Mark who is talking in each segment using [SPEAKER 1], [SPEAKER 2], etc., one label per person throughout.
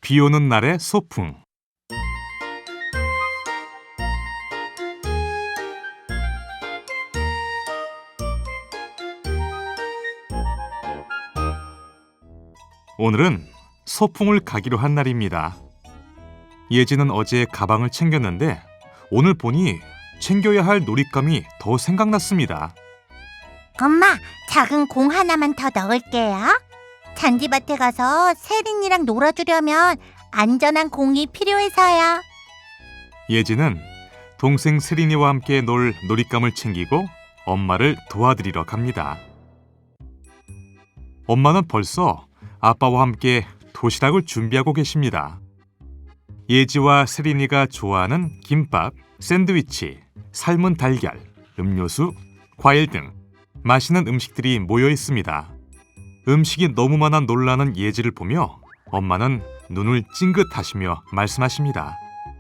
[SPEAKER 1] 비 오는 날의 소풍. 오늘은 소풍을 가기로 한 날입니다. 예지는 어제 가방을 챙겼는데 오늘 보니 챙겨야 할 놀잇감이 더 생각났습니다.
[SPEAKER 2] 엄마, 작은 공 하나만 더 넣을게요. 잔디밭에 가서 세린이랑 놀아주려면 안전한 공이 필요해서요.
[SPEAKER 1] 예지는 동생 세린이와 함께 놀 놀잇감을 챙기고 엄마를 도와드리러 갑니다. 엄마는 벌써 아빠와 함께 도시락을 준비하고 계십니다. 예지와 세린이가 좋아하는 김밥, 샌드위치, 삶은 달걀, 음료수, 과일 등 맛있는 음식들이 모여 있습니다. 음식이 너무 많아 놀라는 예지를 보며 엄마는 눈을 찡긋하시며 말씀하십니다.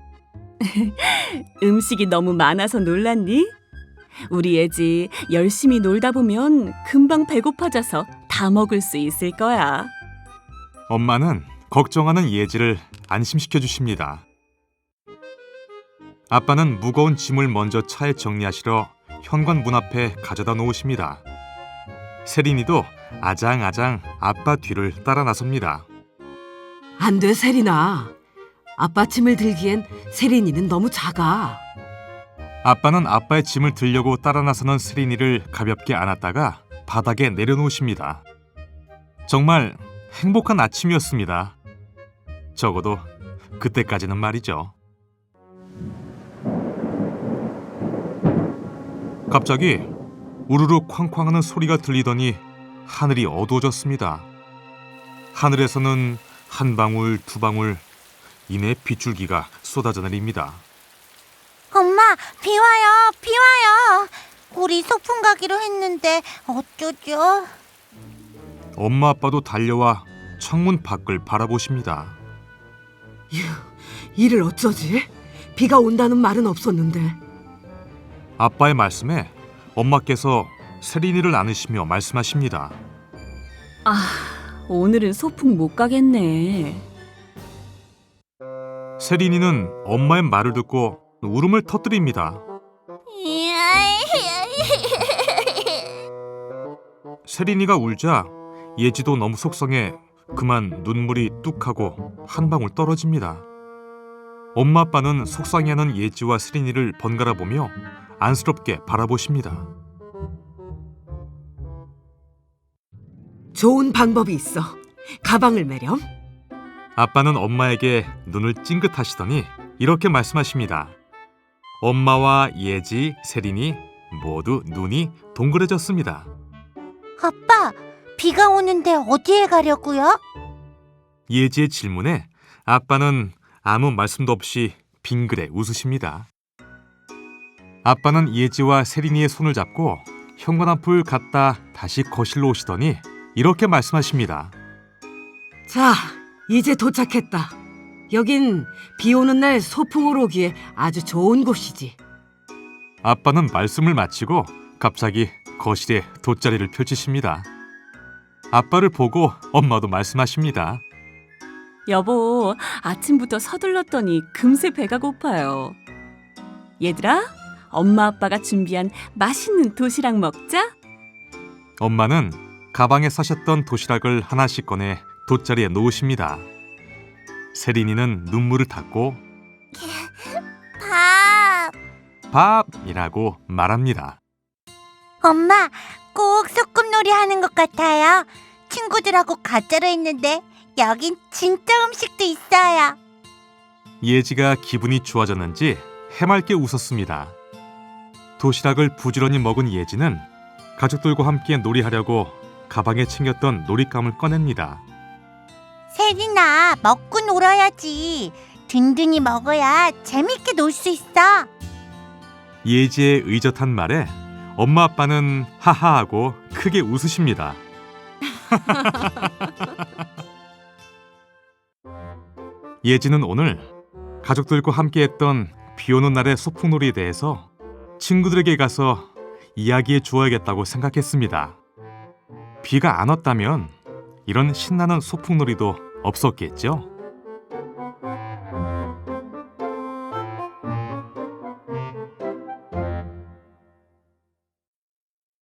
[SPEAKER 3] 음식이 너무 많아서 놀랐니? 우리 예지 열심히 놀다 보면 금방 배고파져서 다 먹을 수 있을 거야.
[SPEAKER 1] 엄마는 걱정하는 예지를 안심시켜 주십니다. 아빠는 무거운 짐을 먼저 차에 정리하시러 현관문 앞에 가져다 놓으십니다. 세린이도 아장아장 아빠 뒤를 따라 나섭니다.
[SPEAKER 4] 안 돼, 세린아. 아빠 짐을 들기엔 세린이는 너무 작아.
[SPEAKER 1] 아빠는 아빠의 짐을 들려고 따라 나서는 세린이를 가볍게 안았다가 바닥에 내려놓으십니다. 정말 행복한 아침이었습니다. 적어도 그때까지는 말이죠. 갑자기 우르르 쾅쾅하는 소리가 들리더니 하늘이 어두워졌습니다. 하늘에서는 한 방울 두 방울 이내 빗줄기가 쏟아져 내립니다.
[SPEAKER 2] 엄마, 비 와요, 비 와요. 우리 소풍 가기로 했는데 어쩌죠?
[SPEAKER 1] 엄마 아빠도 달려와 창문 밖을 바라보십니다.
[SPEAKER 4] 이를 어쩌지? 비가 온다는 말은 없었는데.
[SPEAKER 1] 아빠의 말씀에 엄마께서 세린이를 안으시며 말씀하십니다.
[SPEAKER 3] 오늘은 소풍 못 가겠네.
[SPEAKER 1] 세린이는 엄마의 말을 듣고 울음을 터뜨립니다. 세린이가 울자 예지도 너무 속상해 그만 눈물이 뚝하고 한 방울 떨어집니다. 엄마 아빠는 속상해하는 예지와 세린이를 번갈아 보며 안쓰럽게 바라보십니다.
[SPEAKER 4] 좋은 방법이 있어. 가방을 매렴.
[SPEAKER 1] 아빠는 엄마에게 눈을 찡긋하시더니 이렇게 말씀하십니다. 엄마와 예지, 세린이 모두 눈이 동그래졌습니다.
[SPEAKER 2] 아빠, 비가 오는데 어디에 가려고요?
[SPEAKER 1] 예지의 질문에 아빠는 아무 말씀도 없이 빙그레 웃으십니다. 아빠는 예지와 세린이의 손을 잡고 현관 앞을 갔다 다시 거실로 오시더니 이렇게 말씀하십니다.
[SPEAKER 4] 자, 이제 도착했다. 여긴 비 오는 날 소풍을 오기에 아주 좋은 곳이지.
[SPEAKER 1] 아빠는 말씀을 마치고 갑자기 거실에 돗자리를 펼치십니다. 아빠를 보고 엄마도 말씀하십니다.
[SPEAKER 3] 여보, 아침부터 서둘렀더니 금세 배가 고파요. 얘들아, 엄마 아빠가 준비한 맛있는 도시락 먹자.
[SPEAKER 1] 엄마는 가방에 싸셨던 도시락을 하나씩 꺼내 돗자리에 놓으십니다. 세린이는 눈물을 닦고 밥이라고 말합니다.
[SPEAKER 2] 엄마, 꼭 소꿉놀이 하는 것 같아요. 친구들하고 가짜로 했는데 여긴 진짜 음식도 있어요.
[SPEAKER 1] 예지가 기분이 좋아졌는지 해맑게 웃었습니다. 도시락을 부지런히 먹은 예지는 가족들과 함께 놀이하려고 가방에 챙겼던 놀잇감을 꺼냅니다.
[SPEAKER 2] 세린아, 먹고 놀아야지. 든든히 먹어야 재밌게 놀 수 있어.
[SPEAKER 1] 예지의 의젓한 말에 엄마 아빠는 하하하고 크게 웃으십니다. 예지는 오늘 가족들과 함께했던 비 오는 날의 소풍놀이에 대해서 친구들에게 가서 이야기해 주어야겠다고 생각했습니다. 비가 안 왔다면 이런 신나는 소풍놀이도 없었겠죠?